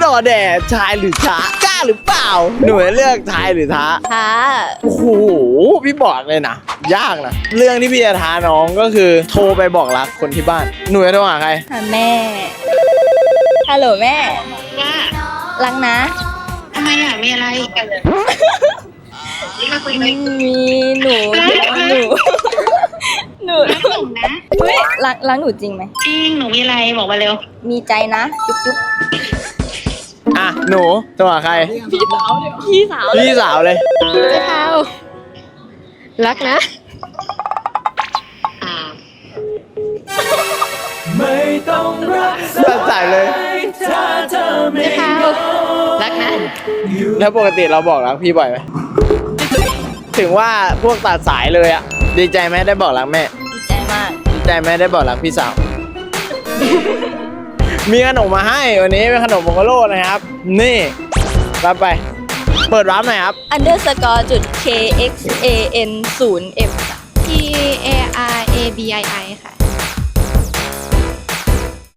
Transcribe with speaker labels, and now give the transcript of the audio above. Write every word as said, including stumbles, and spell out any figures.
Speaker 1: อแดดชายหรือท้ากล้าหรือเปล่าหนูจะเลือกชายหรือท้า
Speaker 2: ท้า
Speaker 1: โอ้โหพี่บอกเลยนะยากนะเรื่องที่พี่จะท้าน้องก็คือโทรไปบอกรักคนที่บ้านหนูจะโทรหาใคร
Speaker 2: หาแม่ฮัลโหลแม่
Speaker 3: ว่า
Speaker 2: รักนะ
Speaker 3: ทำไมอ่ะมีอะไรกันเลยมาคุยไหม
Speaker 2: มีหนูหนูหนู
Speaker 3: รักหนูนะ
Speaker 2: เฮ้ยรักรักหนูจริงไหม
Speaker 3: จริงหนูมีอะไรบอกมาเร็ว
Speaker 2: มีใจนะจุ๊บจุ๊บ
Speaker 1: อ่ะหนูโทรหาใคร
Speaker 2: พี่สาวเลยพี่สาว
Speaker 1: พี่สาวเลย
Speaker 2: เจ้าเท้ารักนะ
Speaker 3: อ่า
Speaker 1: ตัดสายเลย
Speaker 2: เจ้าเท้ารักนะ
Speaker 1: แล้วปกติเราบอกรักพี่บ่อยไหมถึงว่าพวกตัดสายเลยอะดีใจไหมได้บอกรักแม่
Speaker 2: ดีใจมาก
Speaker 1: ดีใจไหมได้บอกรักพี่สาว มีขนมมาให้วันนี้เป็นขนมโมโกโร่นะครับ นี่รับไป เปิดร้านหน่อยครับ
Speaker 2: underscore จุด k x a n ศูนย์ f
Speaker 4: P A R A B I I ค่ะ